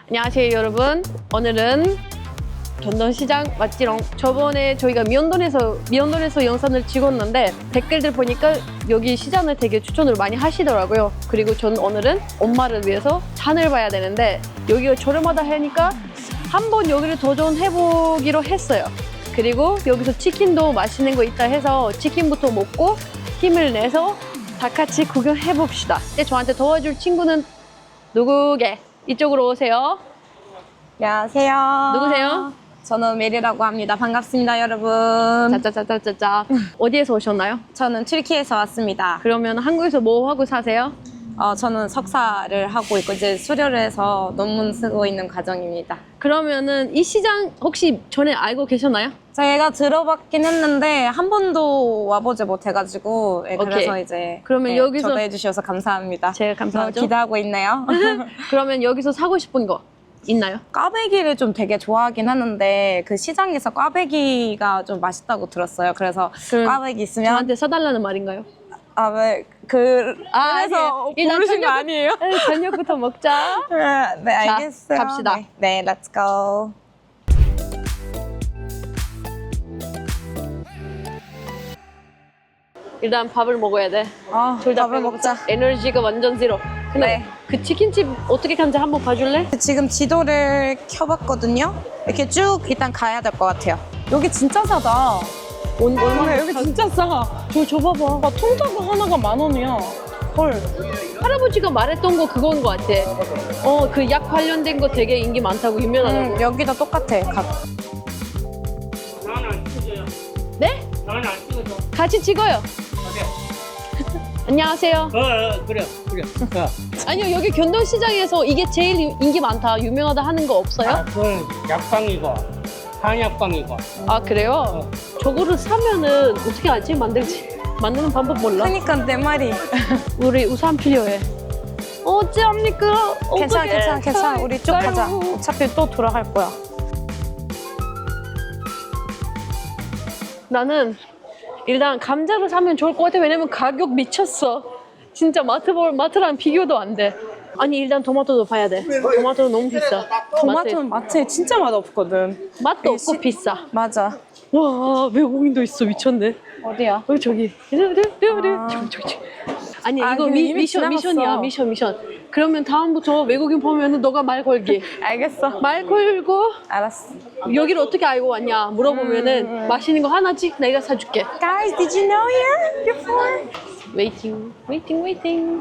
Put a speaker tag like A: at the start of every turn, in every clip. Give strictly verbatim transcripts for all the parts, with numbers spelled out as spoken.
A: 안녕하세요 여러분. 오늘은 전동시장 맞지롱. 저번에 저희가 미연돈에서 미연돈에서 영상을 찍었는데 댓글들 보니까 여기 시장을 되게 추천을 많이 하시더라고요. 그리고 전 오늘은 엄마를 위해서 산을 봐야 되는데 여기가 저렴하다 하니까 한번 여기를 도전해보기로 했어요. 그리고 여기서 치킨도 맛있는 거 있다 해서 치킨부터 먹고 힘을 내서 다 같이 구경해봅시다. 근데 저한테 도와줄 친구는 누구게? 이쪽으로 오세요.
B: 안녕하세요.
A: 누구세요?
B: 저는 메리라고 합니다. 반갑습니다, 여러분.
A: 짜짜짜짜짜짜. 어디에서 오셨나요?
B: 저는 튀르키예에서 왔습니다.
A: 그러면 한국에서 뭐 하고 사세요?
B: 어, 저는 석사를 하고 있고 이제 수료를 해서 논문 쓰고 있는 과정입니다.
A: 그러면은 이 시장 혹시 전에 알고 계셨나요?
B: 제가 들어봤긴 했는데 한 번도 와보지 못해가지고 예, 그래서
A: 오케이.
B: 이제
A: 그러면
B: 예,
A: 여기서-
B: 초대해 주셔서 감사합니다.
A: 제가 감사하죠.
B: 기대하고 있네요.
A: 그러면 여기서 사고 싶은 거 있나요?
B: 꽈배기를 좀 되게 좋아하긴 하는데 그 시장에서 꽈배기가 좀 맛있다고 들었어요. 그래서
A: 그럼
B: 꽈배기 있으면
A: 저한테 사달라는 말인가요?
B: 아 왜 그
A: 아,
B: 그래서
A: 아니에요. 일단
B: 부르신 거
A: 저녁-
B: 아니에요?
A: 네, 저녁부터 먹자.
B: 네, 네,
A: 자,
B: 알겠어요.
A: 갑시다.
B: 네, 네, let's go.
A: 일단 밥을 먹어야 돼.
B: 아,
A: 둘 다
B: 밥을 먹자.
A: 에너지가 완전 제로. 근데
B: 네.
A: 그 치킨집 어떻게 가는지 한번 봐줄래?
B: 지금 지도를 켜봤거든요. 이렇게 쭉 일단 가야 될 것 같아요. 여기 진짜 싸다.
A: 온, 얼마나
B: 여기 진짜 싸.
A: 저 줘봐봐.
B: 아, 통닭 하나가 만 원이야. 헐.
A: 할아버지가 말했던 거 그건 거 같아. 어, 그 약 관련된 거 되게 인기 많다고 유명하다고.
B: 음, 여기다 똑같아. 각.
C: 나는 안 찍어요.
A: 네?
C: 나는 안 찍어줘.
A: 같이 찍어요. 안녕하세요.
C: 어, 어 그래, 그래. 어.
A: 아니요, 여기 견돈시장에서 이게 제일 인기 많다, 유명하다 하는 거
C: 아,
A: 없어요?
C: 그건 약방이고, 한약방이고.
A: 아, 그래요? 저거를 사면은 어떻게 하지? 만들지? 만드는 방법 몰라?
B: 그러니까 내 말이.
A: 우리 우산 필요해. 어찌합니까?
B: 괜찮아,
A: 어떡해.
B: 괜찮아, 괜찮아. 우리 쭉 가자.
A: 아이고.
B: 어차피 또 돌아갈 거야.
A: 나는 일단 감자를 사면 좋을 것 같아. 왜냐면 가격 미쳤어. 진짜 마트 볼 마트랑 비교도 안 돼. 아니 일단 토마토도 봐야 돼. 토마토는 너무 비싸.
B: 토마토는 마트에 진짜 맛없거든.
A: 마트, 맛도 없고
B: 시-
A: 비싸.
B: 맞아.
A: 와 외국인도 있어. 미쳤네.
B: 어디야?
A: 어 저기.
B: 아.
A: 저기 저기 저기. 아니
B: 아,
A: 이거
B: 근데
A: 미,
B: 이미
A: 미션
B: 지나갔어.
A: 미션이야 미션 미션. 그러면 다음부터 외국인 보면은 너가 말 걸기.
B: 알겠어.
A: 말 걸고
B: 알았어.
A: 여기를 어떻게 알고 왔냐 물어보면은
B: 음.
A: 맛있는 거 하나씩 내가 사줄게.
B: Guys, did you know here before?
A: 웨이팅 웨이팅 웨이팅.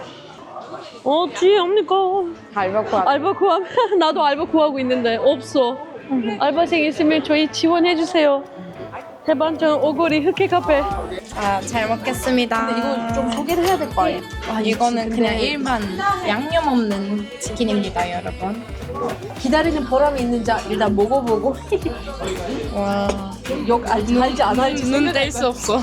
A: 어찌합니까?
B: 알바 구하.
A: 알바 구함. 나도 알바 구하고 있는데 없어. 알바생 있으면 저희 지원해 주세요. 대반전 오거리 흑해 카페.
B: 아, 잘 먹겠습니다.
A: 근데 이거 좀 소개를 해야 될 거 아니야? 아,
B: 이거는
A: 근데
B: 그냥 일반 양념 없는 치킨입니다, 여러분.
A: 기다리는 보람이 있는지 일단 먹어보고
B: 와,
A: 욕 알지 알지 안 알지
B: 눈뗄 수 없어.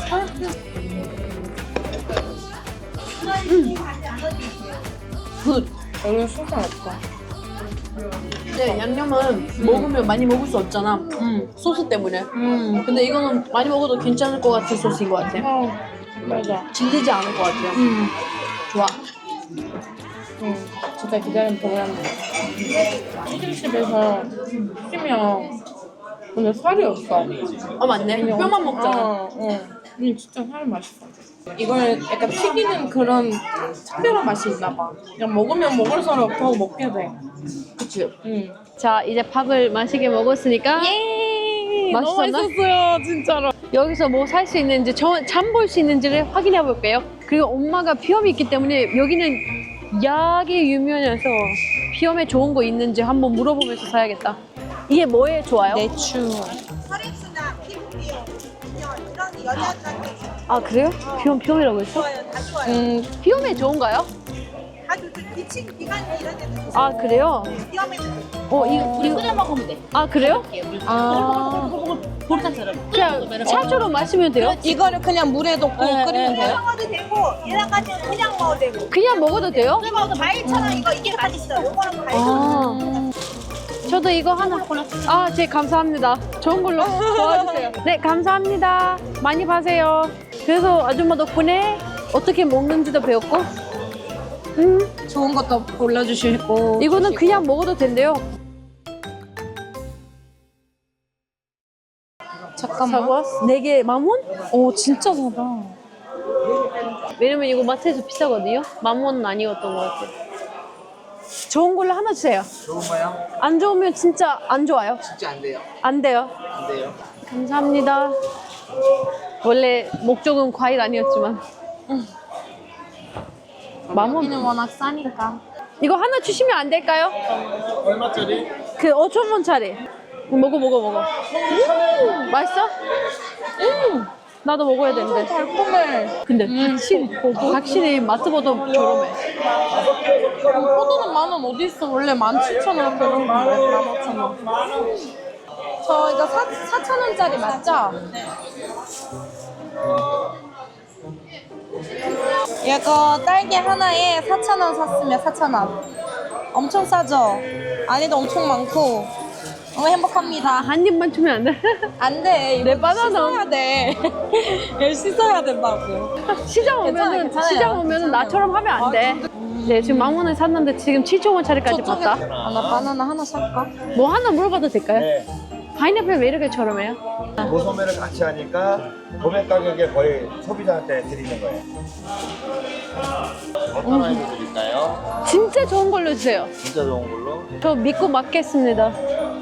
A: 굿.
B: 여기 소스 없다.
A: 근데 양념은 먹으면 많이 먹을 수 없잖아. 음, 소스 때문에.
B: 음,
A: 근데 이거는 많이 먹어도 괜찮을 것 같은 소스인 것 같아.
B: 어, 맞아.
A: 질리지 않을 것 같아요.
B: 음,
A: 좋아.
B: 음, 진짜 기다린 보람이. 치킨집에서 시키면 근데 살이 없어.
A: 아 맞네. 뼈만 먹잖아.
B: 어, 어. 음, 진짜 살 맛있어. 이걸 약간 튀기는 그런 특별한 맛이 있나 봐. 그냥 먹으면 먹을수록 더 먹게 돼.
A: 그치.
B: 응.
A: 자 이제 밥을 맛있게 먹었으니까
B: 예! 너무
A: 맛있었나?
B: 맛있었어요, 진짜로.
A: 여기서 뭐 살 수 있는지 장 볼 수 있는지를 확인해 볼게요. 그리고 엄마가 비염이 있기 때문에 여기는 약이 유명해서 비염에 좋은 거 있는지 한번 물어보면서 사야겠다. 이게 뭐에 좋아요?
B: 내추.
D: 혈액순환, 피부 비용, 이런 여자들한테
A: 아 그래요? 비염 비염이라고 했어?
D: 좋아요. 다 좋아요.
B: 음,
A: 비염에 좋은가요?
D: 아주 그 기침, 기관지 이런 데도 좋고
A: 아 그래요?
D: 비염에도
A: 어 이거 이거
E: 끓여 먹으면 돼.
A: 아 그래요?
B: 아.
E: 보리탕처럼.
A: 그냥 차주로 마시면 돼요?
B: 이거를 그냥 물에 넣고 끓이면 돼요?
D: 먹어도 되고 얘랑 같이 그냥 먹어도 되고
A: 그냥 먹어도 돼요?
D: 그리고 과일처럼 이거 이게 맛있어. 요거는 과일.
A: 아 저도 이거 하나. 아, 제 감사합니다. 좋은 걸로 도와주세요. 네, 감사합니다. 많이 파세요. 그래서 아줌마 덕분에 어떻게 먹는지도 배웠고, 음,
B: 좋은 것도 골라주시고.
A: 이거는 그냥 먹어도 된대요.
B: 잠깐만.
A: 사과 네 개 만 원?
B: 오, 진짜 사다.
A: 왜냐면 이거 마트에서 비싸거든요. 만 원은 아니었던 것 같아요. 좋은 걸로 하나 주세요.
E: 좋은 거요?
A: 안 좋으면 진짜 안 좋아요.
E: 진짜 안 돼요.
A: 안 돼요.
E: 안 돼요.
A: 감사합니다. 원래 목적은 과일 아니었지만. 만 원.
B: 여기는 워낙 싸니까.
A: 이거 하나 주시면 안 될까요?
E: 얼마짜리?
A: 그 오천 원짜리. 먹어 먹어 먹어. 음, 맛있어? 음, 나도 먹어야 되는데.
B: 달콤해.
A: 근데 확실히 확실히 마트보다 저렴해.
B: 포도는 만 원 어디 있어? 원래 만 칠천 원 그런 거. 만 오천 원. 저 이거 사, 사천 원짜리 맞죠? 이거 딸기 하나에 사천 원 샀으면 사천 원. 엄청 싸죠? 안에도 엄청 많고 너무 행복합니다.
A: 한 입만 주면 안 돼?
B: 안 돼. 이거
A: 내 바나나.
B: 씻어야 돼. 이거 씻어야 된다고.
A: 시장
B: 괜찮아요,
A: 오면은
B: 괜찮아요.
A: 시장 오면은 나처럼 하면 안 돼. 네 지금 만 원에 샀는데 지금 칠천 원짜리까지
B: 저쪽에
A: 봤다.
B: 아, 나 바나나 하나 살까?
A: 뭐 하나 물어봐도 될까요?
E: 네.
A: 파인애플 왜 이렇게 저렴해요?
E: 고소매를 같이 하니까 도매 가격에 거의 소비자한테 드리는 거예요. 어떤 아이디 드릴까요?
A: 진짜 좋은 걸로 주세요.
E: 진짜 좋은 걸로.
A: 저 믿고 맡겠습니다.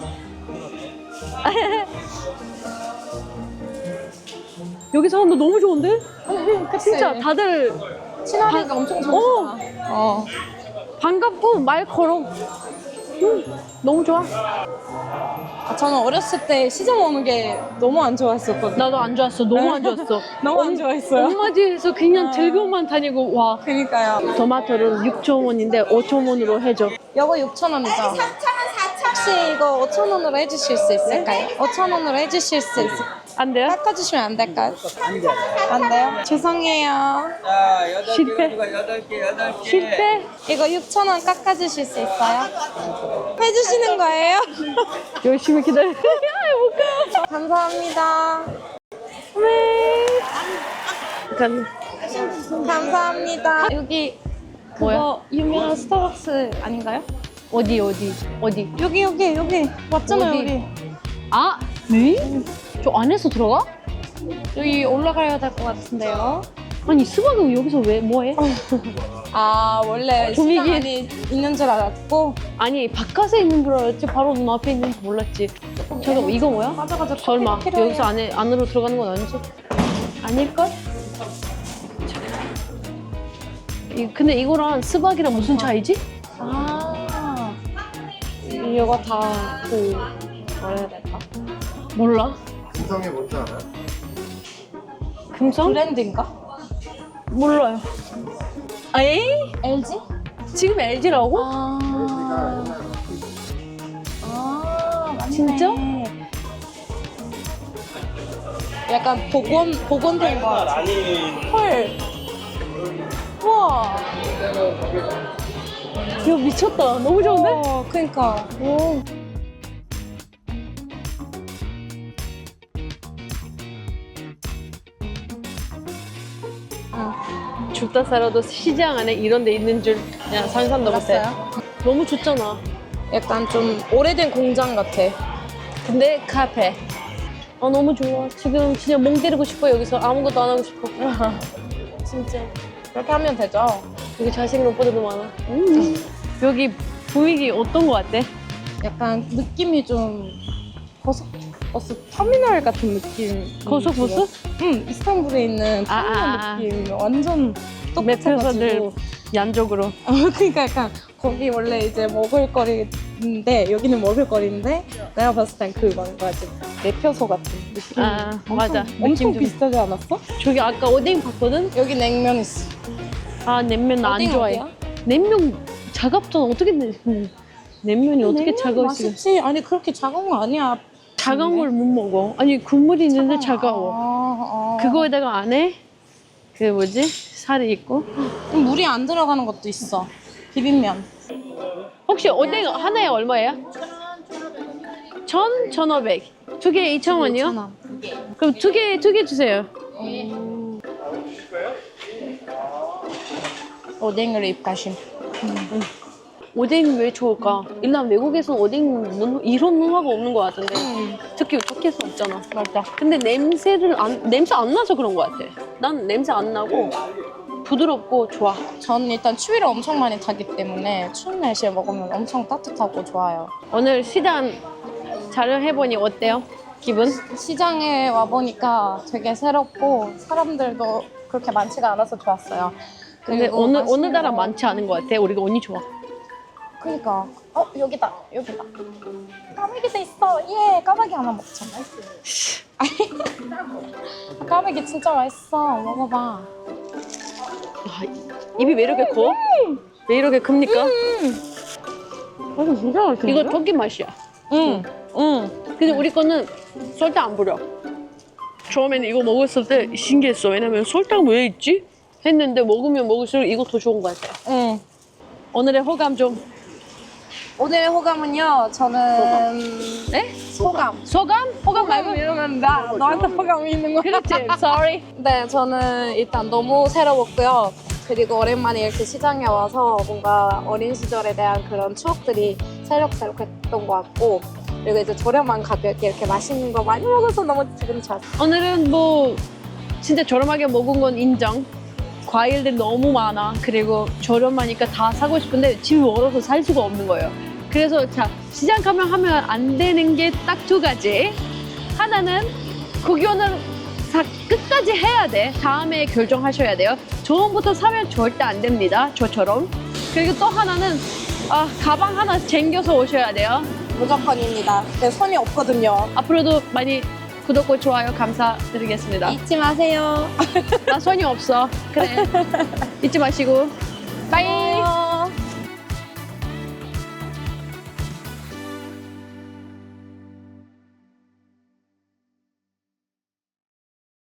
A: 여기 사람도 너무 좋은데? 진짜 다들
B: 친화력이 엄청 좋아. 어.
A: 반갑고 말 걸어. 음, 너무 좋아.
B: 아, 저는 어렸을 때 시장 오는 게 너무 안 좋아했었거든요.
A: 나도 안 좋았어. 너무 안 좋았어.
B: 너무 안 좋아했어요.
A: 엄마 집에서 그냥 들고만 다니고 와.
B: 그니까요.
A: 토마토는 육천 원인데 오천 원으로 해줘.
B: 이거 육천 원이죠?
D: 삼천 원, 사천 원.
B: 혹시 이거 오천 원으로 해주실 수 있을까요? 오천 원으로 해주실 수 있을까요?
A: 안 돼요?
B: 깎아주시면 안 될까요? 안 돼요? 죄송해요.
F: 자, 여덟
A: 실패.
F: 개 가지고 여덟 개, 여덟 개.
A: 실패.
B: 이거 육천 원 깎아주실 수 있어요? 해주시는 거예요?
A: 열심히 기다려. 야, 못 가.
B: 감사합니다.
A: 네. 약간
B: 감사합니다. 여기 그거
A: 뭐야?
B: 유명한 스타벅스 아닌가요?
A: 어디 어디 어디?
B: 여기 여기 여기 맞잖아요.
A: 어디?
B: 우리.
A: 아, 네? 저 안에서 들어가?
B: 여기 올라가야 될 것 같은데요.
A: 아니 수박은 여기서 왜 뭐해?
B: 아 원래
A: 좀
B: 시장
A: 이게-
B: 안에 있는 줄 알았고.
A: 아니 바깥에 있는 줄 알았지 바로 눈앞에 있는 줄 몰랐지. 잠깐 이거 뭐야?
B: 맞아 맞아.
A: 설마
B: 커피가 필요해요.
A: 여기서 안에 안으로 들어가는 건 아니지? 아닐걸? 이, 근데 이거랑 수박이랑 무슨 차이지?
B: 아 이거 다그 뭐라 해야 될까?
A: 몰라.
E: 구성이 뭔지 알아요?
A: 금성?
B: 브랜드인가?
A: 몰라요. 에이?
B: 엘지?
A: 지금 엘지라고?
B: 아. 아, 맞네.
A: 진짜?
B: 약간 복원, 복원된 거 같아. 헐. 우와.
A: 이거 미쳤다. 너무 좋은데?
B: 어, 그니까. 오.
A: 죽다 살아도 시장 안에 이런 데 있는 줄 그냥 상상도 못해.
B: 알았어요?
A: 너무 좋잖아.
B: 약간 좀 오래된 공장 같아.
A: 근데 카페. 아 너무 좋아. 지금 진짜 멍 때리고 싶어. 여기서 아무것도 안 하고 싶어. 진짜.
B: 그렇게 하면 되죠.
A: 여기 잘생긴 오빠들도 많아. 음. 여기 분위기 어떤 거 같아?
B: 약간 느낌이 좀 고속버스 터미널 같은 느낌.
A: 고속버스?
B: 응, 이스탄불에 있는
A: 아,
B: 터미널
A: 아, 아.
B: 느낌. 완전
A: 매표사들
B: 똑같아가지고.
A: 양쪽으로.
B: 어, 그러니까 약간 거기 원래 이제 먹을거리인데 여기는 먹을거리인데 내가 봤을 땐 그 뭔가 좀 매표소 같은 느낌.
A: 아,
B: 엄청,
A: 맞아.
B: 엄청
A: 느낌 좀-
B: 비슷하지 않았어?
A: 저기 아까 오뎅 봤거든?
B: 여기 냉면 있어.
A: 아 냉면 나 안
B: 오뎅
A: 좋아해.
B: 어디야?
A: 냉면 차갑잖아. 어떻게 내, 음, 냉면이 어떻게
B: 냉면
A: 차가울 수가?
B: 맛있지? 아니 그렇게 차가운 거 아니야.
A: 차가운 걸 못 먹어. 아니 국물이 있는데 차가워.
B: 아, 아.
A: 그거에다가 안에 그 뭐지 살이 있고.
B: 그럼 물이 안 들어가는 것도 있어. 비빔면.
A: 혹시 오뎅 하나에 얼마예요? 천, 천오백. 두 개 이천 원이요?
B: 이천 원.
A: 그럼 두 개, 두 개 주세요.
B: 오뎅으로 입가심.
A: 오뎅 왜 좋을까? 일단 외국에서 오뎅 문- 이런 문화가 없는 것 같은데 특히 터키에서 없잖아.
B: 맞아.
A: 근데 냄새를 안 냄새 안 나서 그런 것 같아. 난 냄새 안 나고 부드럽고 좋아.
B: 저는 일단 추위를 엄청 많이 타기 때문에 추운 날씨에 먹으면 엄청 따뜻하고 좋아요.
A: 오늘 시장 촬영해보니 어때요? 기분?
B: 시장에 와보니까 되게 새롭고 사람들도 그렇게 많지가 않아서 좋았어요.
A: 근데
B: 그리고
A: 오늘
B: 맛있는
A: 오늘따라
B: 거-
A: 많지 않은 것 같아. 우리가 운이 좋아.
B: 그니까 어 여기다 여기다 까마귀도 있어. 예 까마귀 하나 먹자. 까마귀 진짜 맛있어. 먹어봐.
A: 아, 입이 왜 이렇게 커? 왜 이렇게 큽니까?
B: 이거 진짜 맛있는데?
A: 이거 터키 맛이야.
B: 응. 응.
A: 근데 우리 거는 설탕 안 뿌려. 처음에는 이거 먹었을 때 신기했어. 왜냐면 설탕 왜 있지? 했는데 먹으면 먹을수록 이거 더 좋은 것 같아.
B: 응.
A: 오늘의 호감 좀.
B: 오늘의 호감은요. 저는
A: 네?
B: 소감.
A: 소감? 호감 말고.
B: 이러면 나 너한테 호감이 있는 거야.
A: 그렇지. Sorry.
B: 네, 저는 일단 너무 새로웠고요. 그리고 오랜만에 이렇게 시장에 와서 뭔가 어린 시절에 대한 그런 추억들이 새록새록했던 것 같고, 그리고 이제 저렴한 가격에 이렇게 맛있는 거 많이 먹어서 너무 기분이 좋았어요.
A: 오늘은 뭐 진짜 저렴하게 먹은 건 인정. 과일들이 너무 많아. 그리고 저렴하니까 다 사고 싶은데 집이 멀어서 살 수가 없는 거예요. 그래서 자 시장 가면 하면 안 되는 게 딱 두 가지. 하나는 구경은 다 끝까지 해야 돼. 다음에 결정하셔야 돼요. 처음부터 사면 절대 안 됩니다. 저처럼. 그리고 또 하나는 아, 가방 하나 챙겨서 오셔야 돼요.
B: 무조건입니다. 네, 손이 없거든요.
A: 앞으로도 많이 구독과 좋아요 감사드리겠습니다.
B: 잊지 마세요.
A: 나 손이 없어. 그래. 잊지 마시고. 빠이.